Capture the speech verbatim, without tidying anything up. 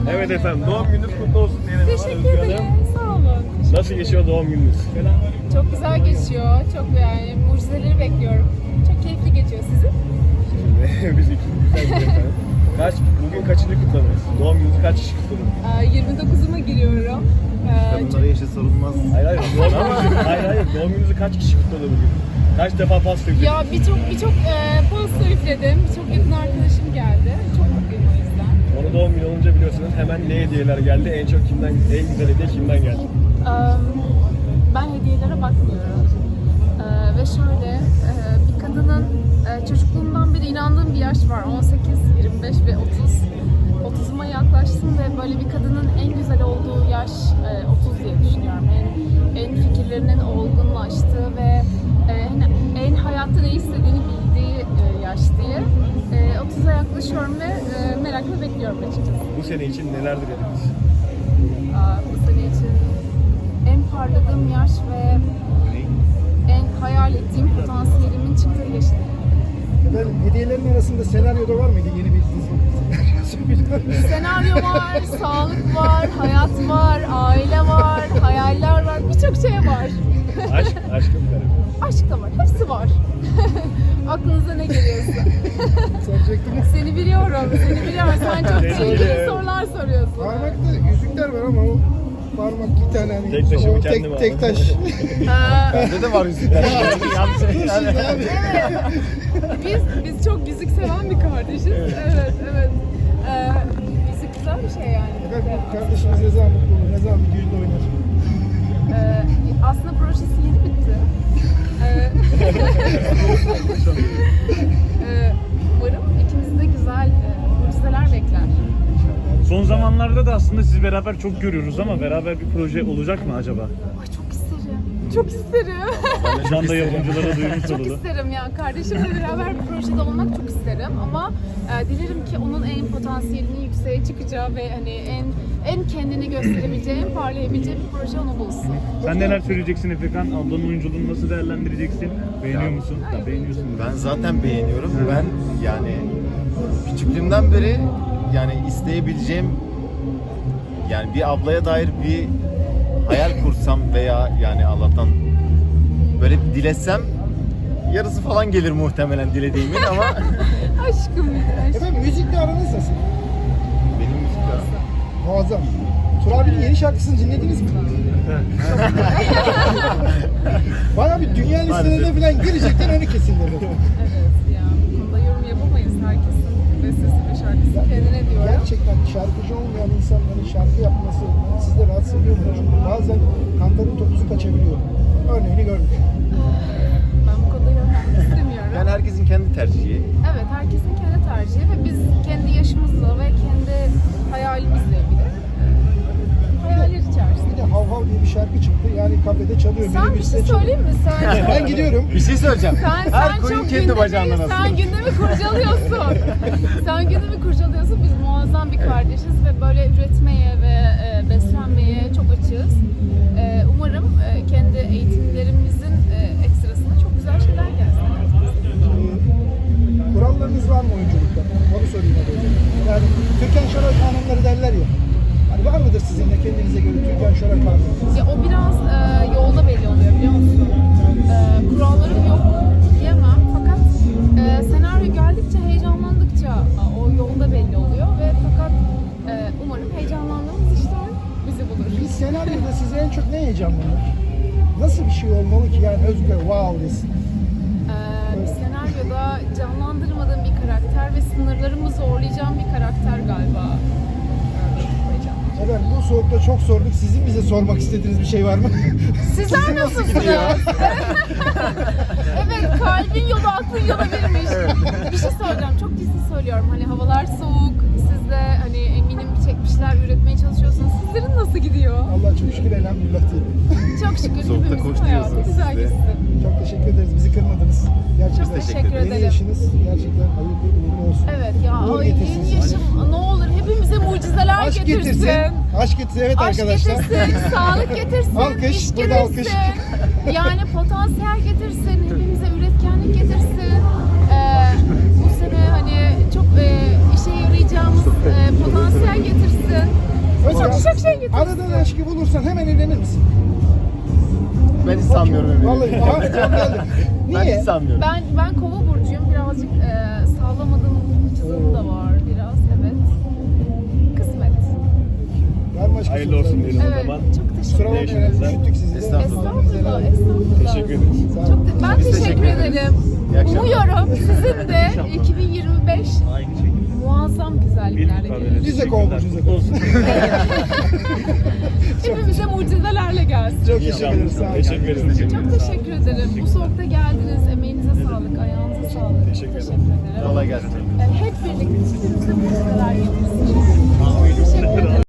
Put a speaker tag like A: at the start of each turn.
A: Evet efendim, doğum gününüz kutlu olsun diyelim.
B: Teşekkür ederim. Sağ olun.
A: Nasıl geçiyor doğum gününüz?
B: Çok güzel geçiyor. Çok yani mucizeleri bekliyorum. Çok keyifli geçiyor sizin.
A: Biz iki güzel gidiyor efendim. Kaç, bugün kaçıncı kutladınız? Doğum gününüzü kaç kişi kutladınız?
B: Ee, yirmi dokuzuma giriyorum. Ee,
C: Kadınlara yaşı sorulmaz.
A: Hayır hayır, doğum gününüzü, hayır hayır, doğum gününüzü kaç kişi kutladı bugün? Kaç defa pasta üflediniz?
B: Ya birçok birçok e, pasta üfledim. Birçok yakın arkadaşım geldi. Çok mutluyum o yüzden.
A: Onu doğum günü olunca biliyorsunuz hemen ne hediyeler geldi? En çok kimden, en güzel hediye kimden geldi?
B: Ee, ben hediyelere bakmıyorum. Ee, ve şöyle e, bir kadının e, çocukluğumdan beri inandığım bir yaş var. on sekiz, yirmi beş ve otuz. otuzuma yaklaştım ve böyle bir kadının en güzel olduğu yaş e, otuz diye düşünüyorum. En, en fikirlerinin olgunlaştığı ve e, en, en hayatta ne istediğini bildiği e, yaş diye. E, otuza yaklaşıyorum ve e, merakla bekliyorum açıkçası.
A: Bu sene için neler dilediniz?
B: Aa, bu sene için en parladığım yaş ve en hayal ettiğim potansiyelimin çıktığı yaş.
D: Efendim, hediyelerin arasında senaryo da var mıydı yeni bir dizi?
B: Senaryo var, sağlık var, hayat var, aile var, hayaller var, birçok şey var.
A: Aşk, aşkım benim.
B: Aşk da var, hepsi var. Aklınıza ne geliyorsa.
D: Soracaktım.
B: Seni biliyorum, seni biliyorum. Sen çok tehlikeli sorular soruyorsun.
D: Parmakta yüzükler var ama o parmak bir tane hani.
A: Tek taşımı
D: o
A: kendim
D: tek,
A: aldım.
D: tek taş.
B: Ha,
C: Bende de var yüzükler. Yanlış
D: Şimdi abi.
B: biz biz çok müzik seven bir kardeşiz. Evet, evet. Ee, müzik güzel bir şey yani.
D: Efendim, kardeşimiz ne zaman mutlu olur, ne zaman bir düğünde oynar?
B: Ee, aslında projesi yeni bitti. Ee, ee, umarım ikimizi de güzel e, mucizeler bekler.
E: Son zamanlarda da aslında sizi beraber çok görüyoruz ama beraber bir proje olacak mı acaba?
B: Ay çok isterim. Çok isterim.
E: Şu anda yapımcılara duymuş
B: Çok
E: olalım.
B: isterim ya. Kardeşimle beraber bir projede olmak çok isterim ama e, dilerim ki onun en potansiyelinin yükseğe çıkacağı ve hani en en kendini gösterebileceği, en parlayabileceği bir proje onu bulsun.
E: Sen neler söyleyeceksin Efekan? Ablanın oyunculuğunu nasıl değerlendireceksin? Beğeniyor musun? Ya, beğeniyorsun.
C: Ben zaten beğeniyorum. Ben yani küçüklüğümden beri yani isteyebileceğim yani bir ablaya dair bir hayal kursam veya yani Allah'tan böyle bir dilesem yarısı falan gelir muhtemelen dilediğimin ama
B: Aşkım ya.
D: Efendim, müzikle aranız nasıl?
C: benim müzikler
D: Muazzam. Tur abinin yeni şarkısını dinlediniz mi? Bayağı bir dünya listelerine falan girecekten önü kesildi.
B: Evet ya. Bu konuda yorum yapamayız. Herkesin bestesi ve şarkısı kendine diyorum.
D: Gerçekten şarkıcı olmayan insanların şarkı yapması sizde rahatsız ediyor mu? Çünkü bazen kantarın topuzu kaçabiliyor. Örneğini gördük.
B: Ben bu konuda yorum yapmak istemiyorum.
C: yani herkesin kendi tercihi.
B: Evet, herkesin kendi tercihi ve biz kendi yaşımızla ve kendi hayalimizle ilgili e, hayaller
D: Bir
B: içerisinde.
D: de Hav Hav diye bir şarkı çıktı. Yani kafede çalıyor.
B: Sen bir
D: minibüste
B: şey
D: çalıyor.
B: söyleyeyim mi? Sen,
D: Ben gidiyorum.
C: Bir şey söyleyeceğim.
B: sen,
C: Her
B: sen
C: koyun
B: çok
C: kendi bacağından
B: gündemi,
C: asılır.
B: sen gündemi kurcalıyorsun. Sen gündemi kurcalıyorsun. Biz muazzam bir kardeşiz ve böyle üretmeye ve e, beslenmeye çok açığız. E, umarım e, kendi eğitimlerimizin e, ekstrasında çok güzel şeyler gelsin.
D: Ee, kurallarınız var mı oyunculukta? Onu sorayım hadi. Yani Türkan Şoray kanunları derler ya. Hani var mıdır sizin de kendinize göre Türkan Şoray kanunları?
B: Ya o biraz e, yolda belli oluyor biliyor musun? E, kurallarım yok diyemem fakat e, senaryo geldikçe, heyecanlandıkça e, o yolda belli oluyor ve fakat e, umarım heyecanlandığımız işler bizi bulur.
D: Bir senaryoda size en çok ne heyecanlanır? Nasıl bir şey olmalı ki yani Özgür wow desin?
B: E, bir senaryoda canlandırmadığım bir karakter ve sınırlarımı zorlayacağım bir karakter galiba. E, heyecan.
D: Efendim bu soğukta çok sorduk. Sizin bize sormak istediğiniz bir şey var mı?
B: Sizler nasılsınız? Evet, kalbin yolu aklın yola girmiş. Bir şey söyleyeceğim, çok ciddi söylüyorum. Hani havalar soğuk, siz de hani eminim çekmişler, üretmeye çalışıyorsunuz. Sizlerin nasıl gidiyor?
D: Allah çok şükür elhamdülillah diyelim.
B: Çok şükür
C: Soğukta
B: hepimizin
C: koşturuyorsunuz
B: hayatı güzel
C: siz de.
B: gitsin.
D: Çok teşekkür ederiz. Bizi kırmadınız. Gerçekten.
B: Çok teşekkür
D: Yeni
B: ederim.
D: yaşınız gerçekten hayırlı uğurlu olsun.
B: Evet ya,
D: Uğur
B: ay,
D: getirsin
B: yeni
D: size.
B: yaşım ne olur hepimize mucizeler
D: Aşk
B: getirsin.
D: getirsin. Aşk getirsin. Evet
B: Aşk
D: arkadaşlar.
B: getirsin, sağlık getirsin,
D: Alkış,
B: iş
D: burada
B: getirsin.
D: alkış.
B: Yani potansiyel getirsin, hepimize üretkenlik getirsin. Ee, bu sene hani çok e, işe yarayacağımız e, potansiyel getirsin. getirsin.
D: Aradığın aşkı bulursan hemen evlenir misin?
C: Ben hiç sanmıyorum Emre'yi.
D: Vallahi aha, çok geldi.
C: Ben
D: Niye?
C: hiç sanmıyorum.
B: Ben ben kova burcuyum. Birazcık e, sağlamadığım çizim de var biraz. Evet. Kısmet.
D: Var mı başka
A: Hayırlı olsun
D: sorularınız?
A: diyelim o
B: Evet.
A: zaman.
B: Çok
D: Kusura
B: teşekkür
D: bakmayın,
B: ederim.
A: Estağfurullah.
D: üşüttük sizi de.
C: Estağfurullah.
B: Estağfurullah. Estağfurullah.
A: Teşekkür ederiz.
D: Sağ olun.
B: Çok te- ben
C: Biz
B: teşekkür,
C: teşekkür ederiz.
B: ederim.
C: İyi akşamlar.
B: Umuyorum sizin de iki bin yirmi beş
E: Aynı şekilde.
B: muazzam güzelliklerle gelir.
D: Biz de kova burcuyuz efendim.
E: Olsun.
B: Hepimize mucizelerle gelsin.
D: Çok teşekkür ederiz. Sağ olun.
A: Teşekkür ederiz.
B: Çok teşekkür ederim. Bu soğukta geldiniz. Emeğinize sağlık, ayağınıza sağlık.
A: Teşekkür ederim.
B: ederim.
C: Kolay gelsin.
B: Hep birlikte hiçbirimize mucizeler getirsin. Teşekkür ederim.